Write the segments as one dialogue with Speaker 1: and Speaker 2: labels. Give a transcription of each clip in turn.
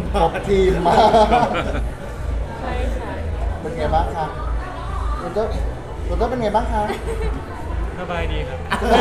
Speaker 1: ครบทีมมาก
Speaker 2: ใช่ค่ะ
Speaker 1: เป็นไงบ้างคะคุณเต้เป็นไงบ้างคะ
Speaker 3: สบายดีครับ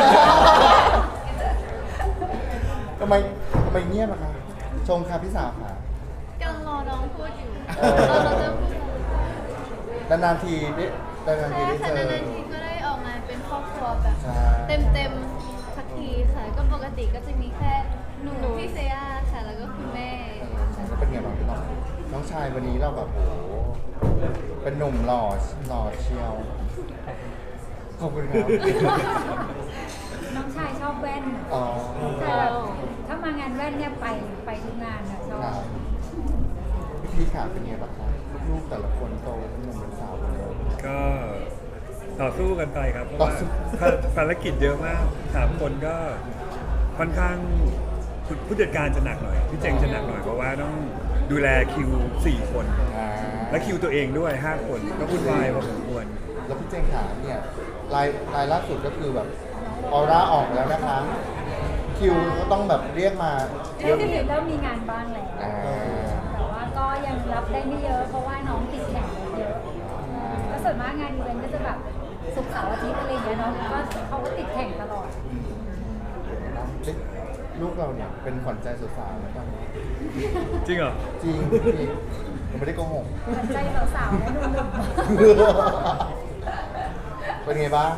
Speaker 1: ทำไมเงียบอะคะชงค่ะพี่สาวค่ะ
Speaker 2: กำลังรอน้องพูดอยู่
Speaker 1: เออ
Speaker 2: เราจะพูด
Speaker 1: นานๆทีได้
Speaker 2: ใช่
Speaker 1: เจ
Speaker 2: ค่ะ
Speaker 1: อ
Speaker 2: นานๆทีก็ได้ออกมาเป็นครอบครัวแบบ
Speaker 1: ใช่
Speaker 2: เต็มๆสักทีค่ะ ก็ปกติก็จะมีแค่หนูพี่เซียาค่ะ แล้วก็คุณแม่
Speaker 1: แล้วเป็นไงบ้างพี่น้องชายวันนี้เราแบบโอ้โหเป็นหนุ่มหล่อเชียวขอบคุณครับ
Speaker 4: น้องชายชอบแว่น
Speaker 1: อ๋อ
Speaker 4: แต่แบบถ้ามางานแว่นเนี่ยไปทุกงานอะชอบ
Speaker 1: ครับพี่ขาเป็นไงบ้างครับลูกๆแต่ละคนโตเป็นหนุ่มเป็นสาวหมดเลย
Speaker 3: ก็ต่อสู้กันไปครับ เพราะ
Speaker 1: ต่อ
Speaker 3: ว่า
Speaker 1: สู้
Speaker 3: ภารกิจเยอะมาก3คนก็ค่อนข้างผู้จัดการจะหนักหน่อยพี่เจงจะหนักหน่อยเพราะว่าต้องดูแลคิว4 คน
Speaker 1: อ่า
Speaker 3: และคิวตัวเองด้วย5 คนก็วุ่นวายพอสมควร
Speaker 1: แล้วพี่เจงขาเนี่ยรายล่าสุดก็คือแบบออร่าออกแล้วนะคะ คิวก็ต้องแบบเรียกมาเย
Speaker 4: เริ่
Speaker 1: อะ
Speaker 4: มเริ่มมีงานบ้างแล้ว
Speaker 1: อ่า
Speaker 4: แต่ว่าก็ยังรับได้ไม่เยอะ เพราะว่าน้องติดแข่งเยอะก็ส่วนมากงานอีเวนต์ก็จะแบบศุกร์เสาร์อาทิตย์อะไรอย่างเงี้ยเนาะก็เขาก็ติดแข่งตลอด
Speaker 1: เอ๊ะลูกเราเนี่ยเป็นขวัญใจสาวๆนะตอนนี้
Speaker 3: จริงเหรอ
Speaker 1: จริงพี่ผมไม่ได้โกหก
Speaker 4: เหมือนใจสาวๆนะหนุ่ม
Speaker 1: เป็นไงบ้าง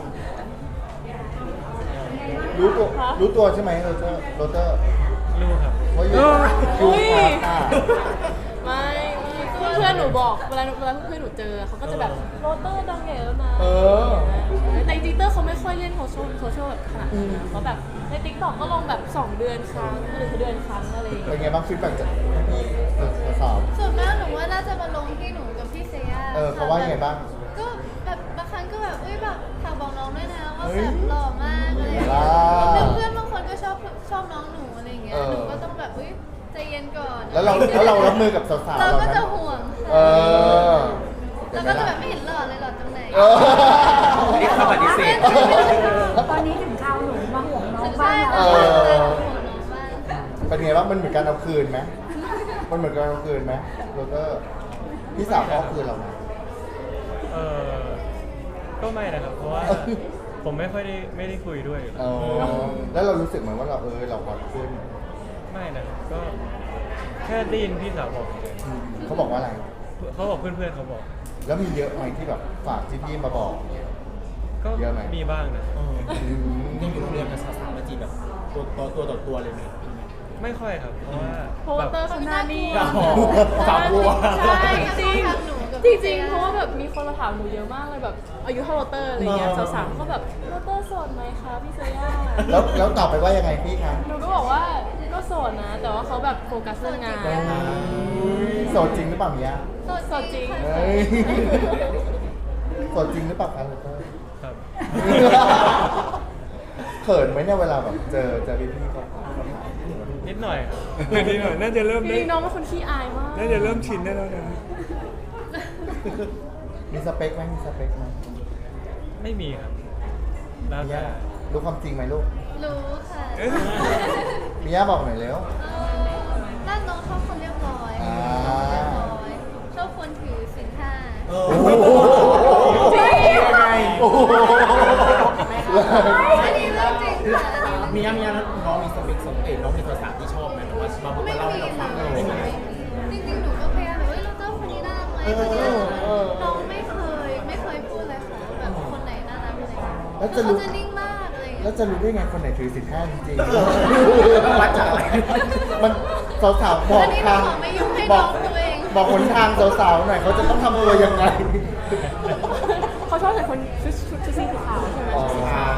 Speaker 4: ๆไงบ้าง
Speaker 1: รู้ตัวใช่ไหมโรเตอร์
Speaker 3: ลูกครับ
Speaker 1: ว่าอยู่คิวคาค่ะ
Speaker 2: ไม่เพื่อนหนูบอกเวลาเพื่อนหนูเจอเขาก็จะแบบโรเตอร์ดังใหญ่แล้วนะ
Speaker 1: เออ
Speaker 2: แต่จริงๆเตอร์เขาไม่ค่อยเล่นโซเชียลแบบขนาดนั้นเขาแบบในติ๊กต็อกก็ลงแบบ2 เดือนครั้งหรือเดือนครั้งอะไรอย่าง
Speaker 1: เป็น
Speaker 2: เงี้ย
Speaker 1: ไงบ้างฟีดแบ็กจากพี่สาว
Speaker 2: ส่วนมากหนูว่าน่าจะมาลงที่หนูกับพี่เซียา
Speaker 1: เขาว่ายังไงบ้าง
Speaker 2: ก็แบบบางครั้งก็แบบเอ้ยแบบฝากบอกน้องด้วยนะว่า
Speaker 1: เฮ้ย
Speaker 2: แบบหล่อมากอะไรอย่างเงี้ย
Speaker 1: ว้าว
Speaker 2: แล้วเพื่อนบางคนก็ชอบน้องหนูอะไรอย่างเงี้ยหนูก็ต้องแบบเอ้ยใจเย็นก่อน
Speaker 1: แล้วเรารับมือกับสาวๆ
Speaker 2: เรา
Speaker 1: เรา
Speaker 2: ก็
Speaker 1: ไหม
Speaker 2: จะห่วง
Speaker 1: เออ
Speaker 2: แล้วก็จะแบบไม่เห็นหล่อเลยหล่อตรงไหน
Speaker 1: เออ
Speaker 5: นี่เขาปฏิเสธ
Speaker 4: ตอนนี้ถึงคราวหนูมาห่วงน้อง
Speaker 2: ใช่
Speaker 4: บ้าง
Speaker 2: ใช่
Speaker 4: แล้ว
Speaker 2: ห่วงน้องบ้าง
Speaker 1: เป็นไงบ้างมันเหมือนการเอาคืนไหมมันเหมือนการเอาคืนไหมโรเตอร์พี่สาวเขาเอาคืนเราไหม
Speaker 3: เออก็ไม่นะครับ เพราะว่าผมไม่ได้คุยด้วย
Speaker 1: เออแล้วเรารู้สึกเหมือนว่าเราฮอตขึ้น
Speaker 3: ไม่นะครับก็แค่ได้ยินพี่สาวบอกเฉย
Speaker 1: เขาบอกว่าอะไร
Speaker 3: ๆเขาบอกเพื่อนๆเขาบอก
Speaker 1: แล้วมีเยอะไหมที่แบบฝากที่พี่มาบอกเนี่ย
Speaker 3: ก็
Speaker 1: เยอะไหม
Speaker 3: มีบ้างนะ
Speaker 5: ยังอยู่โรงเรียนกับสาวๆมาจีบแบบตัวต่อตัวเลยไหม
Speaker 3: ไม่ค่อยครับ เพราะว่า
Speaker 2: เพราะว่าเตอร์เขาหน้านิ่ง
Speaker 5: สาวกลัว
Speaker 2: ใช่จริงจริงๆเพราะว่าแบบมีคนมาถามหนูเยอะมากเลยแบบอายุเท่าโรเตอร์อะไรเงี้ยสาวๆเขาแบบโรเตอร์โสดไหมคะพี่เซย่า
Speaker 1: แล้วตอบไปว่ายังไงพี่คะ
Speaker 2: หนูก็บอกว่าก็โสดนะ แต่ว่าเขาแบบโฟกัสเรื่องงาน
Speaker 1: โสดจริงหรือเปล่าเมีย
Speaker 2: โสดจริง
Speaker 1: เฮ้ยโสดจริงหรือเปล่าคะโรเตอร์
Speaker 3: ครับ
Speaker 1: เขินไหมเนี่ยเวลาแบบเจอพี่ๆเขาถาม
Speaker 3: นิดหน่อยครับนิดหน่อยน่าจะเริ่ม
Speaker 2: จ
Speaker 3: ได้
Speaker 2: ริงๆน้องเป็นคนขี้อายมาก
Speaker 3: น่าจะเริ่มชินได้แล้วนะ
Speaker 1: มีสเปคไหม
Speaker 3: ไม่มีครับแล้ว
Speaker 1: มี
Speaker 3: แต่
Speaker 1: ย่ารู้ความจริงไหมลูก
Speaker 2: รู้ค่ะ
Speaker 1: มีย่าบอกหน่อยเร็ว
Speaker 2: ด้านน้องชอบคนเรียบร้อย
Speaker 1: อ่า
Speaker 2: เรียบร้อยชอบคนถือศีลห้า
Speaker 5: เอ
Speaker 1: โอ้
Speaker 5: อ
Speaker 1: โห
Speaker 2: จริง
Speaker 5: ยังไง
Speaker 1: โอ้โห
Speaker 2: อันนี้เรื่องจริงค่ะอันนี้
Speaker 5: มียังน้องมีสเปคสเปคน้องมีภาษาที่ชอบไหมหรือว่ามาบอก
Speaker 2: ไม่
Speaker 5: มาเล่า
Speaker 2: มี
Speaker 5: ให้เราฟัง
Speaker 2: เล
Speaker 5: เลย ย
Speaker 2: จริงๆหนูก็พยายามแบบเฮ้ยเราเจ้าคนนี้น่ารักไหมคนนี้น่ารักไหมน้องไม่เคยพูดเลยค่ะแบบคนไหนน่ารักอะไรอย่างเงี้ย
Speaker 1: แล้ว
Speaker 2: คื
Speaker 1: จะ
Speaker 2: อ
Speaker 1: รู้
Speaker 2: เขาจะนิ่งมากอะไรอย่าง
Speaker 1: แล้
Speaker 2: เงี้
Speaker 1: วย จะรู้ได้ไงคนไหนถือศีลห้าจริง
Speaker 5: วัดจากอะไร
Speaker 1: ๆมันสาวๆบอก
Speaker 2: อันนี้หนู
Speaker 1: ทาง
Speaker 2: ขอไม่ยุ่งให้
Speaker 1: บ
Speaker 2: น้
Speaker 1: อ
Speaker 2: อก งตัวเอง
Speaker 1: บอกหนทางสาวๆหน่อยเขาจะต้องทำตัวยังไง
Speaker 2: เขาชอบใส่คนชุดสีขาวใช่ไหม
Speaker 1: อ๋อ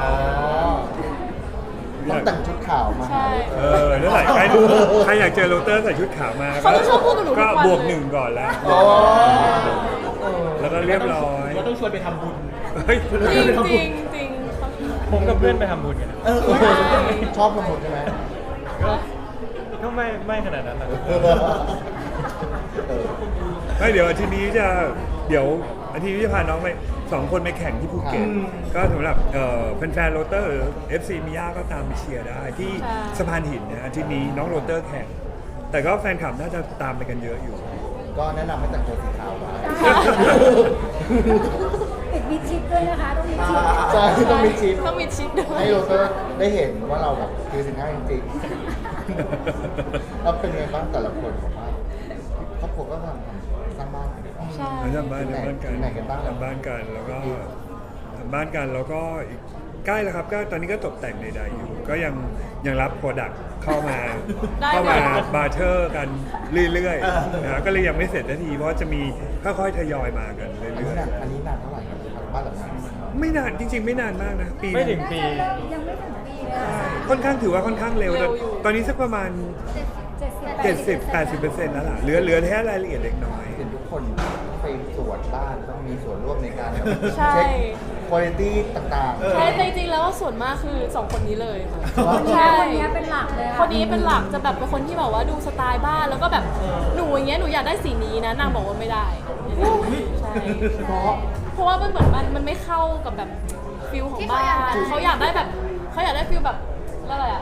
Speaker 1: ต้องแต่งชุดขาวมา
Speaker 2: ใช่
Speaker 3: นั่นแหละใครอยากเจอโรเตอร์ใส่ชุดขาวมา
Speaker 2: เขาจะชอบพูดกับหนูทุก
Speaker 3: ก็
Speaker 2: วัน
Speaker 3: บวก
Speaker 2: เลย
Speaker 3: 1ก่อนแล้ว
Speaker 1: อ๋อ
Speaker 3: แล้วก็เรียบร้อย
Speaker 5: ก็ต้องชวนไปทำบุญ
Speaker 3: เฮ้ย
Speaker 2: จริงจริงจริงเขา
Speaker 3: ผมกับเพื่อนไปทำบุญกันนะ
Speaker 1: ชอบทั้งหมดใช่ไหม
Speaker 3: ก็ไม่ขนาดนั้นหรอก
Speaker 1: เออ
Speaker 3: ไม่เดี๋ยวอาทิตย์นี้อาทิตย์นี้จะพาน้องไป2 คนไปแข่งที่ภูเก็ตก็สำหรับแฟนๆโรเตอร์ FC มิยาก็ตามไปเชียร์ได้ที่สะพานหินนะอาทิตย์นี้น้องโรเตอร์แข่งแต่ก็แฟนคลับน่าจะตามไปกันเยอะอยู่
Speaker 1: ก็แนะนำให้แต่งตัวสีขาวไว้
Speaker 4: ติดมิดชิดด้วยนะคะต้องมิดชิด
Speaker 1: ใช่ต้องมีชิป
Speaker 2: ต้องมีชิดด้วย
Speaker 1: ให้โรเตอร์ได้เห็นว่าเราแบบคือสินค้าจริงๆแล้วเป็นไงบ้างแต่ละคนบอกว่าครอบครัวก็ทำสร้างบ้านกันดี
Speaker 2: ใช่
Speaker 3: ทำบ้านกัน
Speaker 1: ไหนกันบ้าง
Speaker 3: ทำบ้านกันแล้วก็ทำบ้านกันแล้วก็อีกใกล้แล้วครับก็ตอนนี้ก็ตกแต่งใดๆอยู่ ก็ยังรับโปรดักต์เข้ามาบาร์เทอร์กันเรื่อยๆนะก็เลยยังไม่เสร็จนาทีเพราะจะมีค่อยๆทยอยมากัน
Speaker 1: อัน
Speaker 3: เรื่
Speaker 1: นี้
Speaker 3: อย
Speaker 1: นานอันนี้นานเท่าไหร่ครับบ้านหลังนี้
Speaker 3: ๆไม่นานจริงๆไม่นานมากนะปี
Speaker 6: ไม่ถึง
Speaker 4: น่า
Speaker 6: ปี
Speaker 4: จะเริ่มยังไม่ถึงปีเลยอะ
Speaker 3: ค่อนข้างถือว่าค่อนข้างเร็วแต่ตอนนี้สักประมาณ 70-80%แล้วล่ะเหลือแค่รายละเอียดเล็กน้อย
Speaker 1: เห็นทุกคนไปตรวจบ้านต้องมีส่วนร่วมในการแบบ
Speaker 2: ใช่
Speaker 1: เช็คคุณภาพต่างๆ
Speaker 2: ใช่แต่จริงๆแล้วส่วนมากคือสองคนนี้เลยค่ะ
Speaker 4: ใช่
Speaker 2: ใช่
Speaker 4: คนนี้เป็นหลักเลยอะ
Speaker 2: คนนี้เป็นหลักจะแบบเป็นคนที่แบบว่าดูสไตล์บ้านแล้วก็แบบหนูอย่างเงี้ยหนูอยากได้สีนี้นะนางบอกว่าไม่ได้ใช่เพราะว่ามันเหมือนมันไม่เข้ากับแบบฟิลของบ้านเขาอยากได้แบบเขาอยากได้ฟิลแบบอะไรอะ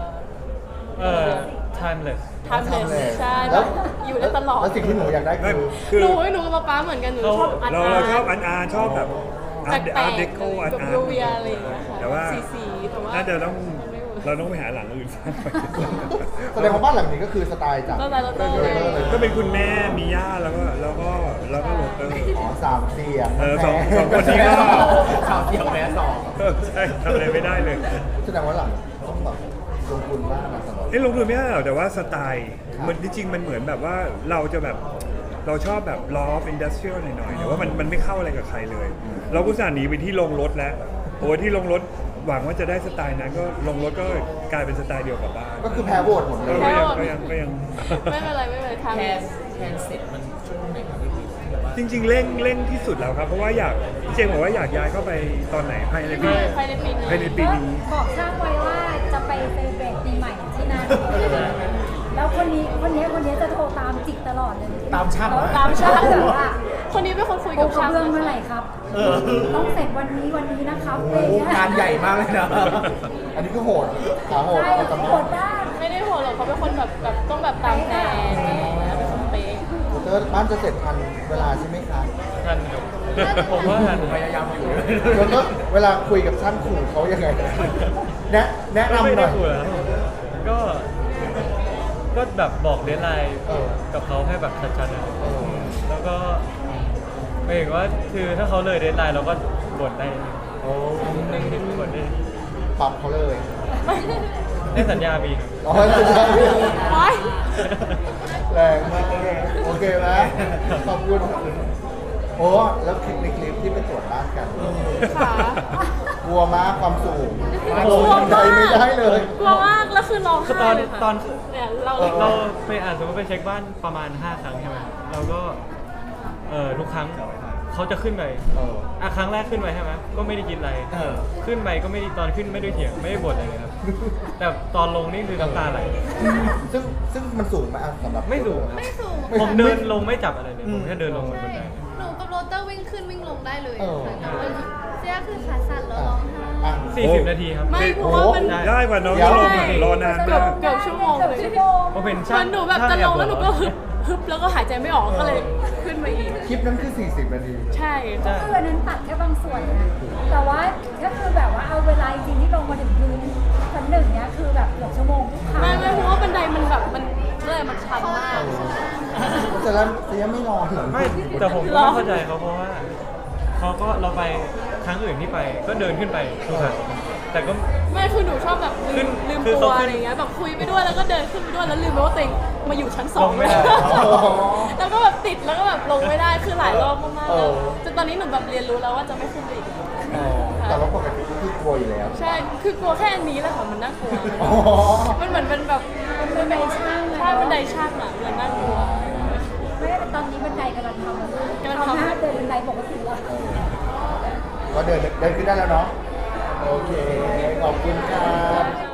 Speaker 6: timeless
Speaker 2: ทำเลยใช่
Speaker 1: แล้ว
Speaker 2: อยู่ได้ตลอด
Speaker 1: แล้วสิ่งที่หนูอยากได้คือ
Speaker 3: คือ
Speaker 2: หนูกับป๊าเหมือนกันหนูชอบอาร์ต
Speaker 3: เราชอบอาร์ชอบแบบอาร์
Speaker 2: แปล
Speaker 3: ต
Speaker 2: ก
Speaker 3: เดโค
Speaker 2: ๆ
Speaker 3: อาร์
Speaker 2: แบบ
Speaker 3: ต
Speaker 2: โรเวียอะไรอย่างเงี้ยค่ะ
Speaker 3: แต่ว่า
Speaker 2: สีแต่ว่า
Speaker 3: น่าจะต้อง
Speaker 2: มันไม่เวิร์ก
Speaker 3: เราต้องไปหาหลังอื่นสร้างไป
Speaker 1: แสดงว่าบ้านหลังนี้ก็คือสไตล์จาก
Speaker 2: ก็ไลน์โรเตอร์เลย
Speaker 3: ก็เป็นคุณแม่มีย่าแล้วก็โรเตอร์
Speaker 1: อ๋อสามเสียง
Speaker 3: สองคนนี้ก็
Speaker 5: ข่าวเสียงแม้สอง
Speaker 3: ใช่ทำอะไรไม่ได้เลย
Speaker 1: แสดงว่าหลังต้องแบบลงทุนบ้างนะสำหรับ
Speaker 3: ลงทุนไม่ได้หรอกแต่ว่าสไตล์
Speaker 1: ครับ
Speaker 3: มันจริงๆมันเหมือนแบบว่าเราจะแบบเราชอบแบบ law of industrial หน่อยๆแต่ว่ามันไม่เข้าอะไรกับใครเลย เราก็สั่นหนีไปที่ลงรถแล้วโอ้ที่ลงรถหวังว่าจะได้สไตล์นั้นก็ลงรถก็กลายเป็นสไตล์เดียวกับบ้าน
Speaker 1: ก็คือแพ้โหวตหมดเลย
Speaker 3: ก็ยัง
Speaker 2: ไม่เป็นไรทำ
Speaker 5: แทนเสร็จมันช่วงไหนครับพี่พีแบบว่า
Speaker 3: จริงๆเร่งที่สุดแล้วครับเพราะว่าอยากพี่เจมส์บอกว่าอยากย้ายเข้าไปตอนไหนภายในปี
Speaker 2: ภายในปีนี้
Speaker 3: ภายในปีนี้
Speaker 4: บอกช่างไว้ว่าจะไปเซเลบรตปีใหม่ที่นั่นแล้วคนนี้จะโทรตามจิกตลอดเลย
Speaker 5: ตามช่าง
Speaker 2: ตามช่าง
Speaker 4: แบบว่า
Speaker 2: คนนี้เป็นคนคุย
Speaker 4: โอ้
Speaker 2: กับ
Speaker 4: กระ
Speaker 2: ช่าง
Speaker 4: เบื้องเมื่อไหร่ครับ ต้องเสร็จวันนี้นะครับอะไร
Speaker 5: โอ้
Speaker 4: เงี้ย
Speaker 5: งานใหญ่มากเลยนะ
Speaker 1: อันนี้ก็โหดขาโหด
Speaker 4: ใช่
Speaker 1: ประจำ
Speaker 4: โหดมาก
Speaker 2: ไม่ได้โหดหรอกเขาเป็นคนแบบต้องแบบตามแผนอะไรอย่างเงี้ยเป็นคนเป๊ะ
Speaker 1: เธอบ้านจะเสร็จทันเวลาใช่ไหมคะ
Speaker 6: ทันครับผมว่าทัน
Speaker 5: พยายามอยู่
Speaker 1: แล้วก็เวลาคุยกับช่างขู่เขายังไงแนะ
Speaker 6: ก็
Speaker 1: นำ
Speaker 6: ไม่
Speaker 1: ห
Speaker 6: ได้
Speaker 1: น่อย
Speaker 6: กลัวนะก็แบบบอกเดทไลน์
Speaker 1: เออ
Speaker 6: กับเขาให้แบบชัดๆนะ
Speaker 1: เออ
Speaker 6: แล้วก็หมายถึงว่าคือถ้าเขาเลยเดทไลน์เราก็บ่นได้
Speaker 1: โอ้
Speaker 6: นึงบ่นได้
Speaker 1: ปรับเขาเลย
Speaker 6: ได้สัญญามีครับ
Speaker 1: อ๋อสุดยอด
Speaker 2: โอ๊ย
Speaker 1: แรงมากโอเคไหมขอบคุณโอ้แล้วคลิปในคลิปที่ไปตรวจบ้านกัน
Speaker 2: ค่ะ
Speaker 1: กลัวมากความสูง
Speaker 2: กลัว
Speaker 1: ลงใจ
Speaker 2: มาก
Speaker 1: ไม่ได้เลย
Speaker 2: กลัวมากแล้วคือร้อง
Speaker 6: คือ
Speaker 2: ไห้
Speaker 6: ตอน
Speaker 2: เลยค่ะ
Speaker 6: ตอน
Speaker 2: เนี่ยเรา
Speaker 6: เราไปสมมติไปเช็คบ้านประมาณ 5 ครั้งใช่ไหมเราก็ทุกครั้งเขาจะขึ้นไป
Speaker 1: เออ
Speaker 6: ครั้งแรกขึ้นไปใช่ไหมก็ไม่ได้กินอะไร
Speaker 5: เออ
Speaker 6: ขึ้นไปก็ไม่ได้ตอนขึ้นไม่ได้เถียงไม่ได้บ่นอะไรเลยครับ แต่ตอนลงนี่คือน้ำตาไหล
Speaker 1: ซึ่งมันสูงไหมอ่ะสำหรับ
Speaker 6: ไม่สูงครับ
Speaker 7: ไม่สูง
Speaker 6: ผมเดินลงไม่จับอะไรเลยผมแค่เดินลงบนบันได
Speaker 7: หนูกับโรเตอร์วิ่งขึ้นวิ่งลงได้เลย
Speaker 1: เออ
Speaker 7: ค่ะเสียคือขาสั่นแล้วร้องไห้
Speaker 1: อ่ะ
Speaker 6: 40 นาทีครับ
Speaker 2: ไม่เพราะว่ามัน
Speaker 3: ได้กว่าน้อง
Speaker 1: เดี๋ยว
Speaker 3: ลงอะรอนาน
Speaker 2: เกือ
Speaker 3: มา
Speaker 2: บ
Speaker 3: ก
Speaker 2: เกือบชั่วโมงเลย
Speaker 6: ผมเป็น
Speaker 2: มั
Speaker 6: ช่าง
Speaker 2: นหนูแบบจะลงแล้วหนูก็ฮึบแล้วก็หายใจไม่ออกก็เลยขึ้นมาอีก
Speaker 1: คลิปนั้นคือ 40 นาที
Speaker 2: ใช่
Speaker 6: ใช่
Speaker 4: คืออันนั้นตัดแค่บางส่วนนะแต่ว่าถ้าคือแบบว่าเอาเวลาจริงที่ลงมาถึงพื้นชั้นหนึ่งเนี้ยคือแบบเกือบชั่วโมงทุกครั้ง
Speaker 2: ไม่เพราะว่าบันไดมันแบบมันเลยมันชันมาก
Speaker 1: แต่แล้วจะยังไม่รอเหรอ
Speaker 6: ไม่แต่ผมก็ไม่เข้าใจเขาเพราะว่าเขาก็เราไปครั้งอื่นที่ไปก็เดินขึ้นไปทุกครั้งแต่ก็
Speaker 2: ไม่คือหนูชอบแบบ
Speaker 6: ขึ้น
Speaker 2: ลืม
Speaker 6: คือ
Speaker 2: ตัว
Speaker 6: เขาขึ้น
Speaker 2: อะไรเงี้ยแบบคุยไปด้วยแล้วก็เดินขึ้นไปด้วยแล้วลืมไปว่าตัวเองมาอยู่ชั้นสอง
Speaker 6: ลงไม่ได้
Speaker 2: แล้วก็แบบติดแล้วก็แบบลงไม่ได้คือหลายรอบมากๆ
Speaker 1: เอ
Speaker 2: แล้ว
Speaker 1: อ
Speaker 2: จนตอนนี้หนูแบบเรียนรู้แล้วว่าจะไม่ขึ้นไปอีก
Speaker 1: อ๋อแต่ว่าปกติก็คือกลัวอยู่แล้ว
Speaker 2: ใช่คือกลัวแค่อันนี้แหละค่ะมันน่ากลัว
Speaker 1: อ๋อ
Speaker 2: มันเหมือนเป็นแบบมันเป็นช่างใช่บันไดช่างอ่ะมันน่ากลัว
Speaker 4: ไม่ได้แต่ตอนนี้บันไดกำลังทำ
Speaker 2: กำลังทำ
Speaker 4: หน้าเดินบันไดปกติแล้ว
Speaker 1: ก็เดินขึ้นได้แล้วเนาะ โอเค ขอบคุณครับ